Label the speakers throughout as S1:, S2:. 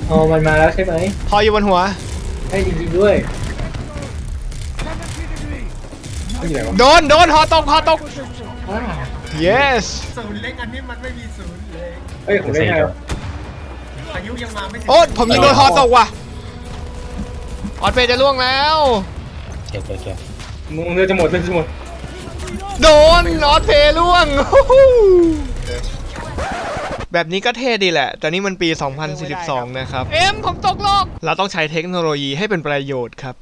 S1: อ๋อมันมาแล้วใช่ไหม
S2: พออยู่บนหัว
S1: ให้จริงๆด้วยอยู่ไหนวะ
S2: โดนหอตก
S1: อ้า
S2: yes
S3: ศูนย์เล็กอันนี้มันไม่มีศูนย์เลย
S1: เอ้ยผมได้ไงวะ
S3: พายุยังมาไม่ถึง
S2: โอ๊ตผมยิงโดนหอตกว่ะออดเฟย์จะล่วงแล้ว
S4: เก็บ
S1: มึงเรือจะหมดเรือจะหมด
S2: โดนออดเฟย์ล่วง แบบนี้ก็เท่ดีแหละ แต่นี่มันปี 2042 นะครับ ผมตกโลก เราต้องใช้เทคโนโลยีให้เป็นประโยชน์ครับ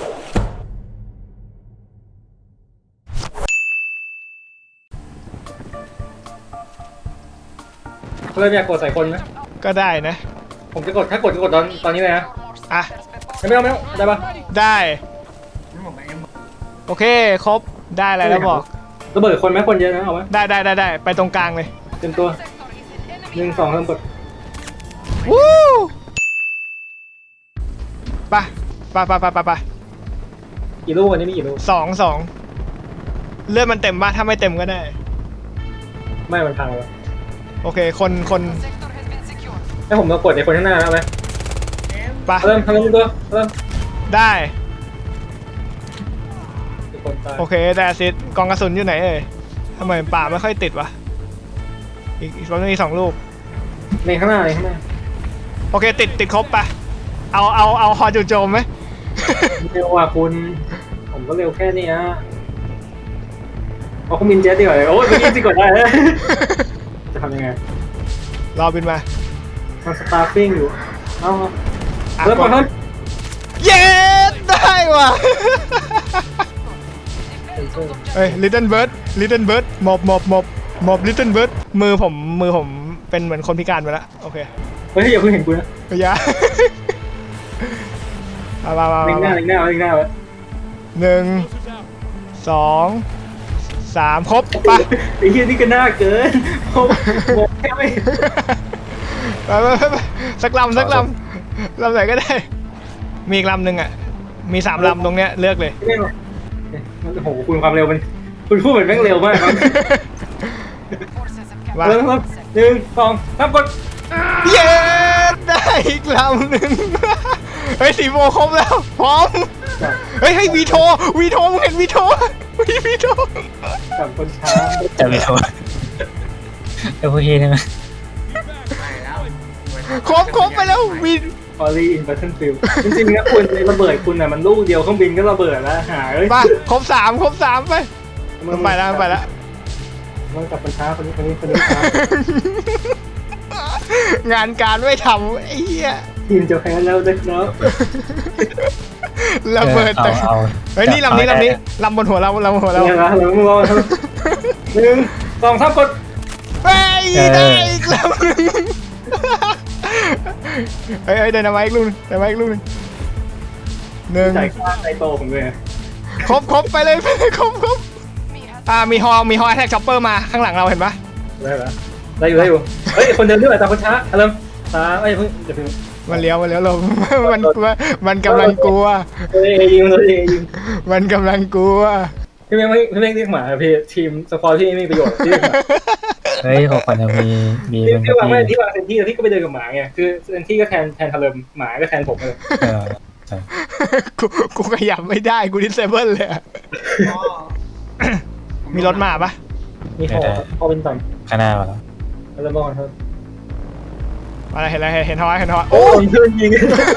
S1: เริ่มอยากกดใส่คนไหม
S2: ก็ได้นะ
S1: ผมจะกดถ้ากดตอนนี้เลยนะ
S2: อ่ะ
S1: ไม่เอาได้ปะ
S2: ได้
S3: นี่ผมเอ็ม
S2: โอเค ครบ ได้อะไรแล้วบอก
S1: ระเบิดคนไหมคนเยอะนะเอาไหม
S2: ได้ ไปตรงกลางเลย
S1: เต็มตัว1 2เริ่มกด
S2: วู้ไป
S1: กี่ลูกวันนี้มีกี่ลูก
S2: สองเลือดมันเต็มป่ะถ้าไม่เต็มก็ได้
S1: ไม่มันพังแล้ว
S2: โอเค คน
S1: ให้ผมมากดในคนข้างหน้าแล้วไหม
S2: ไป
S1: เริ่มตัวเริ่ม
S2: ได้
S1: คนตาย
S2: โอเคแต่ซิดกองกระสุนอยู่ไหนเอ่ยทำไมป่าไม่ค่อยติดวะอีกประมาณนี้2 ลูก
S1: ในข้างหน้า
S2: โอเคติดครบปะเอาฮอจู่โจมไหม
S1: เร็วกว่าคุณผมก็เร็วแค่นี้ฮะเอาเครื่องบินเจ็ตดีกว่าเลยโอ้ยเมื่อกี้สิกดได้เลยจะทำยังไง
S2: รอบินมา
S1: มันสตาร์ฟิ้งอยู่เอา
S2: อ่ะ
S1: เริ่มก่อนเริ่ม
S2: เย้ได้ว่ะ เฮ้ย Little Bird หมอบ Little Bird มือผมเป็นเหมือนคนพิการไปแล้วโอเค
S1: เฮ้ยอย่าเพิ่งเห็นกูนะ
S2: ก็ยา มา
S1: เล็งหน้าไว้
S2: 1 2 3 ครบไป
S1: ไอ้เหี้ยนี่ก็น่าเกินผมแค่ไม่
S2: ไปสักลำไหนก็ได้ มีอีกลำหนึ่งอ่ะ มี3 ลำตรงเนี้ยเลือกเลย
S1: ไม่หรอกโอ้โหคุณความเร็วมันคุณพูดเหมือนแม่งเร็วมากครับ
S2: มา
S1: เริ่ม1 2 3กด
S2: เย้ได้อีกลำหนึ่ง เฮ้ยสีโมครบแล้ว พร้อม เฮ้ยให้วีโทมึงเห็นวีโท
S1: จับคนช้า
S4: จะไม่โทษโอเคได้ไหม
S3: ไปแล้ว
S2: ครบไปแล้ววี
S1: ออรี่อินบัตเทิลฟิลจริงๆนะคุณในระเบิดคุณน่ะมันลูกเดียวเครื่องบินก็ระเบิดแล้วหาเอ้ย
S2: มาครบสามไปมันไปแล้ว
S1: มันจับคนช้าคนนี้ช้าง
S2: านการไม่ทำไอ้เหี้ย
S1: ทีมจะแพ้แล้วเด็กเนาะ
S2: ระเบิดแต่
S4: เอา
S2: เฮ้ยนี่ลำนี้ลำบนหัวเรา
S1: เนี่ยนะเราไม่รอ1 2 3กด
S2: เฮ้ยได้อีกลำหนึ่งเฮ้ยเดินมาอีกลูกนึงหนึ่ง
S1: จ่ายค่าไอโตผมเลย
S2: ครบไปเลยครบมีฮอแท็กช็อปเปอร์มาข้างหลังเราเห็นปะ
S1: ได้อยู่เฮ้ยคนเดินด้วยแต่คนช้าเริ่มช้าเอ้ยเพิ่งจะเพิ่ง
S2: มันเลี้ยวลง มันกำลังกลัว
S1: ยิง
S2: มันกำลังกลัว
S1: พี่เม่งเรียกหมาพี่ทีมสควอตที่ไม่มีประโยชน์ที่เรียกหมา
S4: เฮ้ยผมควรจะมี
S1: ที่วางไม่ที่วางเซนที่แล้วพี่ก็ไปเดินกับหมาไงคือเซนที่ก็แทนทาเริมหมาก็แทนผมเลย
S2: กูขยับไม่ได้กูดิสเซเบิลเลยอะมีรถมาปะ
S1: มีพอเป็นต่ำ
S4: ข้างหน้ามาแล้ว
S1: แล้วมองครับ
S2: อะไรเห็นฮอ
S1: โอ้ยเพื่อนยิง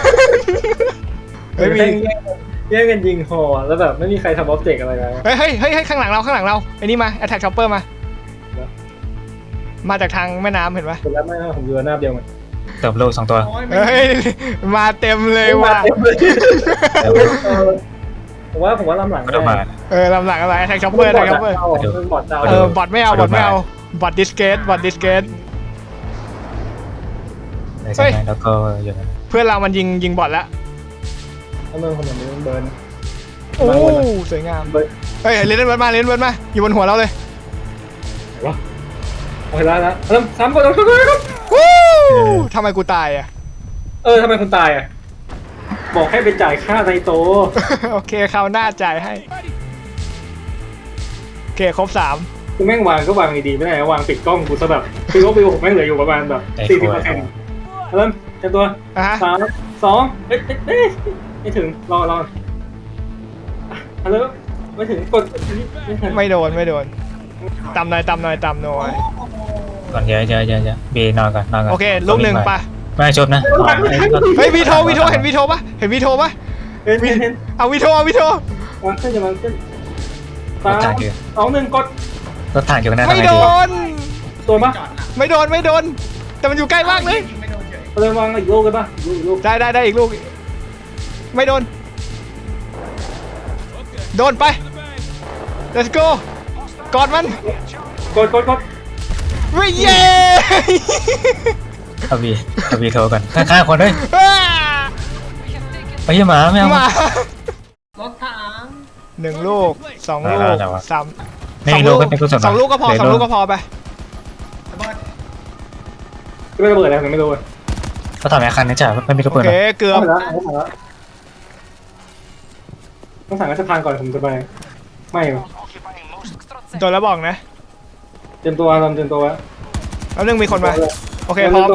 S2: เฮ้ยมี
S1: แย่งกันยิงหอแล้วแบบไม่มีใครทำออบเจกต์อะไรเลย
S2: เฮ้ยข้างหลังเราไอ้นี่มาแอตแทกช็อปเปอร์มาจากทางแม่น้ำเห็นปะ
S1: ผมรับไม่ผมอยู่หน้าเดียวมัน
S4: เติมโลก2 ตัว
S2: เฮ้ยมาเต็มเลยว่ะ
S1: ผมว่าลำหลัง
S4: ก็ต้องมา
S2: ลำหลังอะไรแอตแทกช็อปเปอร์บอทดาวบอทไม่เอาบอทดิสเกต
S4: ในสมัยแล้วก็อย่างนั้น
S2: เพื่อนเรามันยิงบอทแล้ว
S1: ถ้าเมืองคนอย่างนี้เบิร์น
S2: โอ้สวยงามเฮ้ยเลนเบิร์ดมาอยู่บนหัวเราเลย
S1: วะโอเคแล้วเริ่มซ้ำก่อน
S2: วู้ทำไมกูตายอ่ะ
S1: ทำไมคุณตายอ่ะบอกให้ไปจ่ายค่าไนโต
S2: โอเคคราวหน้าจ่ายให้โอเคครบ3
S1: กูแม่งวางก็วางดีๆไม่ได้วางปิดกล้องกูซะแบบคือว่าวิวผมแม่งเหลืออยู่ประมาณแบบ40%เริ่มเต็มตัว
S2: อ่ะฮะ
S1: 3 2ไม่ถึงรอฮัลโหลไม่ถึงกดไม่ถึง
S2: ไม่โดนตำหน่อย
S3: โอ้โห
S4: ก่อนเดี๋ยวบีนอนก่อน
S2: โอเคลูกหนึ่งไป
S4: ไม่ชดนะ
S2: เฮ้ยวีโทเห็นวีโทปะเห็น
S1: เห็น
S2: เอาวีโท
S1: วางขึ้นจะวางขึ้น
S4: รถถังอยู่
S1: 3 2 1กด
S4: รถถังอยู่ข้างหน้า
S2: ไม่โดน
S1: ตัวปะ
S3: จอดหลัง
S2: ไม่โดนแต่มันอยู่ใกล้มากเลย
S3: ยิงไม่โดนเฉย
S1: เราเลยวางอีกลูกกันปะลูก
S2: ได้อีกลูกไม่โดนไป let's go กอดมัน
S1: กด
S2: ไม่เย้
S4: เอาบีโทรก่อนข้างๆคนเฮ้ยไปยี่หมาไม่เอา
S2: มาร
S3: ถถัง
S2: 1 ลูก 2 ลูก 3
S4: ไม่มีลูกก็เป็นกุศล
S2: 2 ลูกก็พอ2 ลูกก็พอไป
S3: ระเบิด
S1: ไม่ระเบิดอะไรผมไม่รู้
S4: เขาทำแอคคันนี่จ้ะไม่มีกระ
S2: โอ
S4: เปิด
S2: เคเกือบ
S1: ต้องสั่งรัชทานก่อนผมจะไปไม่
S2: โดนแล้วบอกนะ
S1: เตรียมตัว
S2: แล้วนึงมีคนมาโอเคพร้อม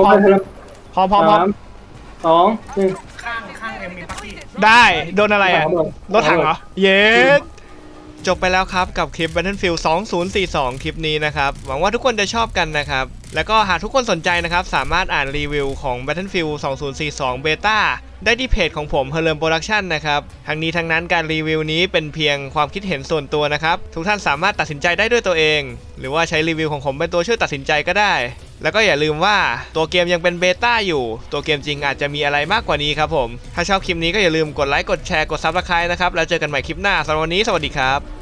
S1: 3 2 1
S3: ข้างเอ็มมีปักกี้
S2: ได้โดนอะไรอ่ะ
S1: ระเบิด
S2: รถถังเหรอ เย้จบไปแล้วครับกับคลิป Battlefield 2042 คลิปนี้นะครับ หวังว่าทุกคนจะชอบกันนะครับ แล้วก็หากทุกคนสนใจนะครับสามารถอ่านรีวิวของ Battlefield 2042 Beta ได้ที่เพจของผม Herlem Production นะครับทั้งนี้ทั้งนั้นการรีวิวนี้เป็นเพียงความคิดเห็นส่วนตัวนะครับทุกท่านสามารถตัดสินใจได้ด้วยตัวเอง หรือว่าใช้รีวิวของผมเป็นตัวช่วยตัดสินใจก็ได้ แล้วก็อย่าลืมว่าตัวเกมยังเป็นเบต้าอยู่ตัวเกมจริงอาจจะมีอะไรมากกว่านี้ครับผมถ้าชอบคลิปนี้ก็อย่าลืมกดไลค์กดแชร์กด Subscribe นะครับแล้วเจอกันใหม่คลิปหน้าสำหรับวันนี้สวัสดีครับ